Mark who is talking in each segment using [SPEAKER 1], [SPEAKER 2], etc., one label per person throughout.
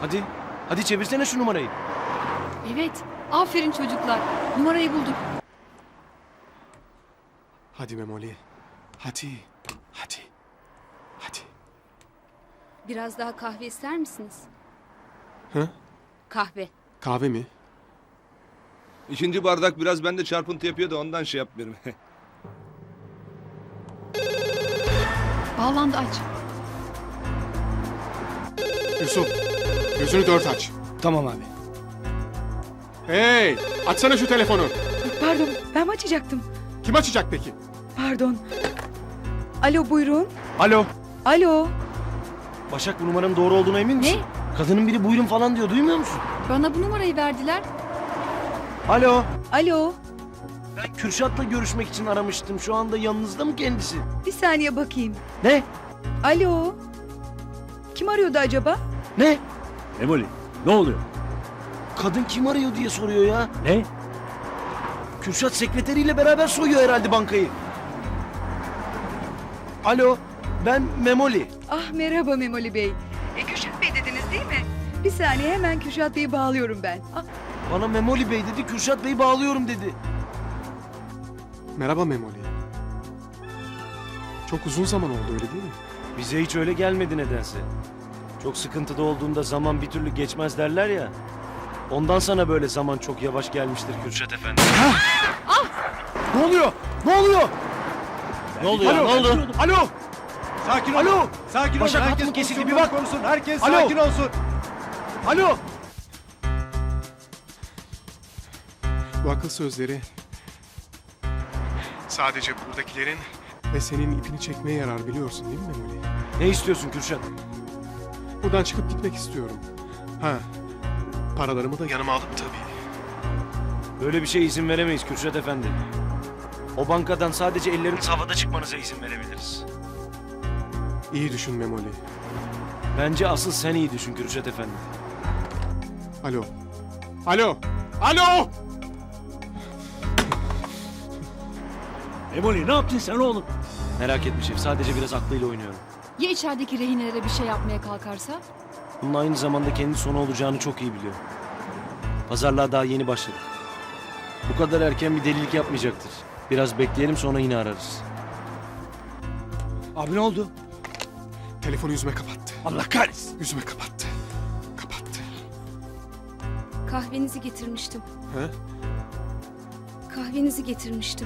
[SPEAKER 1] Hadi. Hadi çevirsene şu numarayı.
[SPEAKER 2] Evet. Aferin çocuklar. Numarayı bulduk.
[SPEAKER 3] Hadi Memoli. Hadi. Hadi. Hadi.
[SPEAKER 2] Biraz daha kahve ister misiniz?
[SPEAKER 3] Hı?
[SPEAKER 2] Kahve.
[SPEAKER 3] Kahve mi?
[SPEAKER 4] İkinci bardak biraz bende çarpıntı yapıyor da ondan şey yapmıyorum.
[SPEAKER 2] Bağlandı, aç.
[SPEAKER 3] Yusuf. Gözünü dört aç.
[SPEAKER 1] Tamam abi.
[SPEAKER 3] Hey! Açsana şu telefonu.
[SPEAKER 5] Pardon, ben mi açacaktım?
[SPEAKER 3] Kim açacak peki?
[SPEAKER 5] Pardon. Alo, buyurun.
[SPEAKER 1] Alo.
[SPEAKER 5] Alo.
[SPEAKER 1] Başak, bu numaranın doğru olduğuna emin misin?
[SPEAKER 2] Ne?
[SPEAKER 1] Kadının biri buyurun falan diyor, duymuyor musun?
[SPEAKER 2] Bana bu numarayı verdiler.
[SPEAKER 1] Alo.
[SPEAKER 5] Alo.
[SPEAKER 1] Ben Kürşat'la görüşmek için aramıştım. Şu anda yanınızda mı kendisi?
[SPEAKER 5] Bir saniye bakayım.
[SPEAKER 1] Ne?
[SPEAKER 5] Alo. Kim arıyordu acaba?
[SPEAKER 1] Ne?
[SPEAKER 6] Memoli, ne oluyor?
[SPEAKER 1] Kadın kim arıyor diye soruyor ya.
[SPEAKER 6] Ne?
[SPEAKER 1] Kürşat sekreteriyle beraber soyuyor herhalde bankayı. Alo, ben Memoli.
[SPEAKER 5] Ah, merhaba Memoli Bey. Kürşat Bey dediniz değil mi? Bir saniye, hemen Kürşat Bey'i bağlıyorum ben. Ah,
[SPEAKER 1] Bana Memoli Bey dedi, Kürşat Bey'i bağlıyorum dedi.
[SPEAKER 3] Merhaba Memoli. Çok uzun zaman oldu öyle değil mi?
[SPEAKER 1] Bize hiç öyle gelmedi nedense. Çok sıkıntıda olduğunda zaman bir türlü geçmez derler ya. Ondan sana böyle zaman çok yavaş gelmiştir Kürşat Efendi. Ne oluyor? Ne oluyor?
[SPEAKER 6] Ne oluyor?
[SPEAKER 1] Alo,
[SPEAKER 6] Ne oldu?
[SPEAKER 1] Alo!
[SPEAKER 7] Sakin olun.
[SPEAKER 1] Alo!
[SPEAKER 7] Sakin olun.
[SPEAKER 1] Başak,
[SPEAKER 7] Herkes
[SPEAKER 1] hat mı kesildi? Bir
[SPEAKER 7] pozisyonunu
[SPEAKER 1] bak.
[SPEAKER 7] korusun. Herkes
[SPEAKER 1] Alo.
[SPEAKER 7] sakin olsun.
[SPEAKER 1] Alo!
[SPEAKER 3] Bu akıl sözleri sadece buradakilerin ve senin ipini çekmeye yarar, biliyorsun değil mi Memoli?
[SPEAKER 1] Ne istiyorsun Kürşat?
[SPEAKER 3] Buradan çıkıp gitmek istiyorum. Ha, paralarımı da yanıma alıp tabii.
[SPEAKER 1] Böyle bir şeye izin veremeyiz Kürşat Efendi. O bankadan sadece elleriniz havada çıkmanıza izin verebiliriz.
[SPEAKER 3] İyi düşün Memoli.
[SPEAKER 1] Bence asıl sen iyi düşün Kürşat Efendi.
[SPEAKER 3] Alo. Alo. Alo!
[SPEAKER 6] Memoli, ne yaptın sen oğlum?
[SPEAKER 1] Merak etme şef, sadece biraz aklıyla oynuyorum.
[SPEAKER 2] Ya içerideki rehinelere bir şey yapmaya kalkarsa?
[SPEAKER 1] Bunun aynı zamanda kendi sonu olacağını çok iyi biliyor. Pazarlığa daha yeni başladık. Bu kadar erken bir delilik yapmayacaktır. Biraz bekleyelim, sonra yine ararız.
[SPEAKER 6] Abi ne oldu?
[SPEAKER 3] Telefonu yüzüme kapattı.
[SPEAKER 6] Allah kahretsin.
[SPEAKER 3] Yüzüme kapattı. Kapattı.
[SPEAKER 2] Kahvenizi getirmiştim.
[SPEAKER 3] Ha?
[SPEAKER 2] Kahvenizi getirmiştim.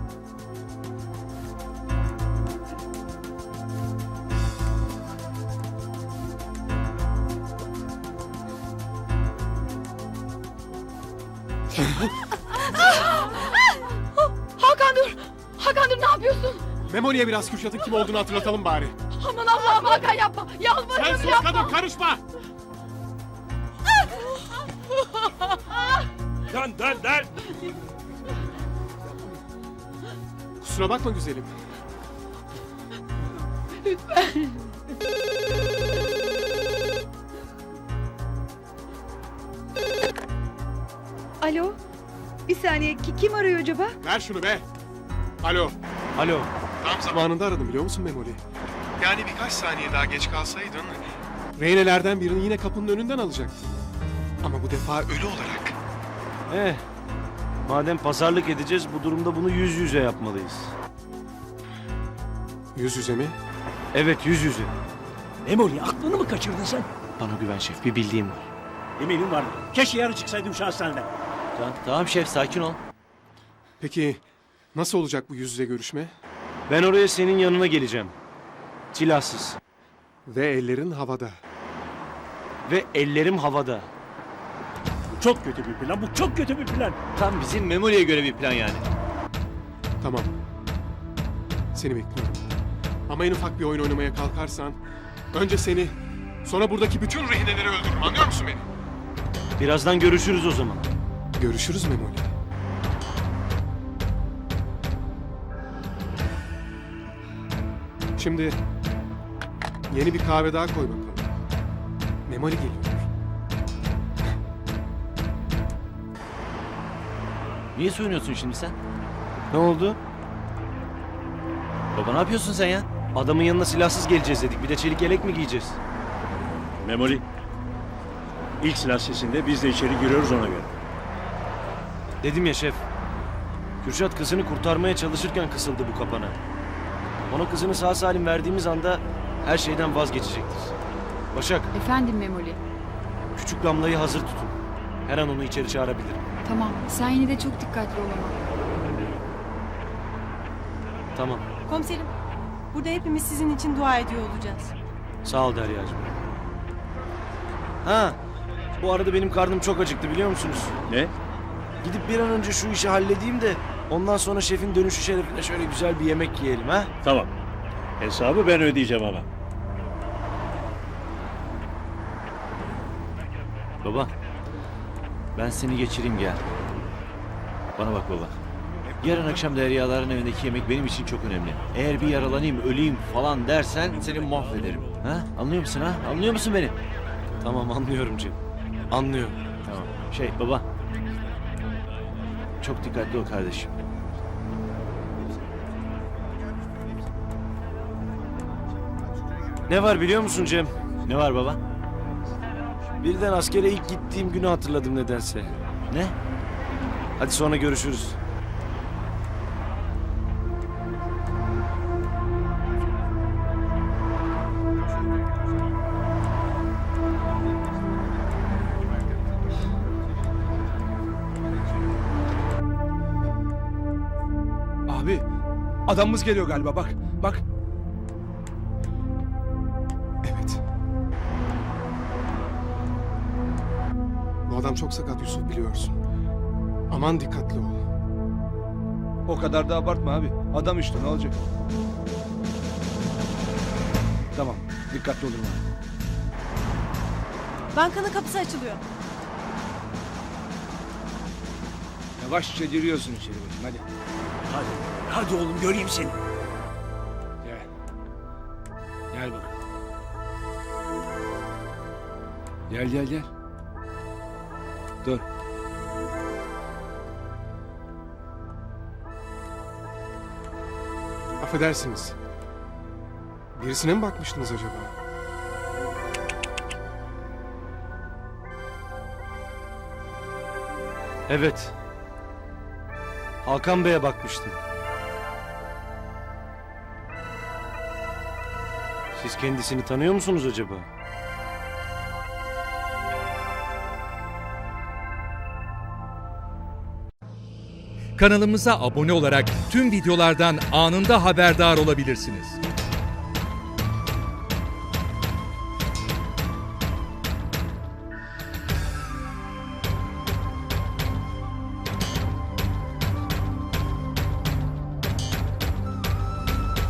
[SPEAKER 5] Hakan dur. Hakan dur, ne yapıyorsun?
[SPEAKER 3] Memoli'ye biraz Kürşat'ın kim olduğunu hatırlatalım bari.
[SPEAKER 5] Aman Allah'ım, Hakan yapma.
[SPEAKER 3] Sen
[SPEAKER 5] Yalvarırım,
[SPEAKER 3] sus
[SPEAKER 5] yapma.
[SPEAKER 3] kadın, karışma!
[SPEAKER 6] Dön.
[SPEAKER 3] Kusura bakma güzelim.
[SPEAKER 5] Alo. Bir saniye, kim arıyor acaba?
[SPEAKER 3] Ver şunu be. Alo.
[SPEAKER 1] Alo,
[SPEAKER 3] Tam zamanında aradım, biliyor musun Memoli? Yani birkaç saniye daha geç kalsaydın reynelerden birini yine kapının önünden alacaktın. Ama bu defa ölü olarak.
[SPEAKER 1] madem pazarlık edeceğiz, bu durumda bunu yüz yüze yapmalıyız.
[SPEAKER 3] Yüz yüze mi?
[SPEAKER 1] Evet, yüz yüze.
[SPEAKER 6] Memoli, aklını mı kaçırdın sen?
[SPEAKER 1] Bana güven şef, bir bildiğim var.
[SPEAKER 6] Eminim vardı. Keşke yarın çıksaydım şu hastaneden.
[SPEAKER 1] Tamam şef, sakin ol.
[SPEAKER 3] Peki nasıl olacak bu yüz yüze görüşme?
[SPEAKER 1] Ben oraya senin yanına geleceğim. Silahsız.
[SPEAKER 3] Ve ellerin havada.
[SPEAKER 1] Ve ellerim havada.
[SPEAKER 6] Bu çok kötü bir plan. Bu çok kötü bir plan.
[SPEAKER 1] Tam bizim Memoli'ye göre bir plan yani.
[SPEAKER 3] Tamam. Seni bekliyorum. Ama en ufak bir oyun oynamaya kalkarsan önce seni, sonra buradaki bütün rehineleri öldürürüm, anlıyor musun beni?
[SPEAKER 1] Birazdan görüşürüz o zaman.
[SPEAKER 3] Görüşürüz Memoli. Şimdi yeni bir kahve daha koy bakalım. Memoli geliyor.
[SPEAKER 8] Niye soyunuyorsun şimdi sen?
[SPEAKER 1] Ne oldu?
[SPEAKER 8] Baba ne yapıyorsun sen ya?
[SPEAKER 1] Adamın yanına silahsız geleceğiz dedik. Bir de çelik yelek mi giyeceğiz?
[SPEAKER 6] Memoli, İlk silah sesinde biz de içeri giriyoruz ona göre.
[SPEAKER 1] Dedim ya şef. Kürşat kızını kurtarmaya çalışırken kısıldı bu kapana. Ona kızını sağ salim verdiğimiz anda her şeyden vazgeçecektir. Başak,
[SPEAKER 2] Efendim Memoli.
[SPEAKER 1] küçük Damla'yı hazır tutun. Her an onu içeri çağırabilirim.
[SPEAKER 2] Tamam. Sen yine de çok dikkatli ol ama.
[SPEAKER 1] Tamam.
[SPEAKER 7] Komiserim, burada hepimiz sizin için dua ediyor olacağız.
[SPEAKER 1] Sağ ol Derya'cığım. Ha, bu arada benim karnım çok acıktı biliyor musunuz?
[SPEAKER 6] Ne?
[SPEAKER 1] Gidip bir an önce şu işi halledeyim de ondan sonra şefin dönüşü şerefine şöyle güzel bir yemek yiyelim ha?
[SPEAKER 6] Tamam. Hesabı ben ödeyeceğim ama.
[SPEAKER 8] Baba. Ben seni geçireyim gel. Bana bak baba. Yarın akşam Deryaların evindeki yemek benim için çok önemli. Eğer bir yaralanayım, öleyim falan dersen seni mahvederim. Ha? Anlıyor musun ha? Anlıyor musun beni?
[SPEAKER 1] Tamam anlıyorum Cem. Anlıyorum.
[SPEAKER 8] Tamam. Baba. Çok dikkatli ol kardeşim.
[SPEAKER 1] Ne var biliyor musun Cem?
[SPEAKER 8] Ne var baba?
[SPEAKER 1] Birden askere ilk gittiğim günü hatırladım nedense.
[SPEAKER 8] Ne?
[SPEAKER 1] Hadi sonra görüşürüz.
[SPEAKER 4] Abi adamımız geliyor galiba bak. Bak.
[SPEAKER 3] Evet. Bu adam çok sakat Yusuf, biliyorsun. Aman dikkatli ol.
[SPEAKER 4] O kadar da abartma abi. Adam işte ne olacak? Tamam dikkatli olun abi.
[SPEAKER 7] Bankanın kapısı açılıyor.
[SPEAKER 4] Yavaşça giriyorsun içeri bakayım hadi.
[SPEAKER 6] Hadi oğlum göreyim seni.
[SPEAKER 4] Gel. Gel bakalım. Gel. Dur.
[SPEAKER 3] Affedersiniz. Birisine mi bakmıştınız acaba?
[SPEAKER 1] Evet. Hakan Bey'e bakmıştım. Siz kendisini tanıyor musunuz acaba?
[SPEAKER 9] Kanalımıza abone olarak tüm videolardan anında haberdar olabilirsiniz.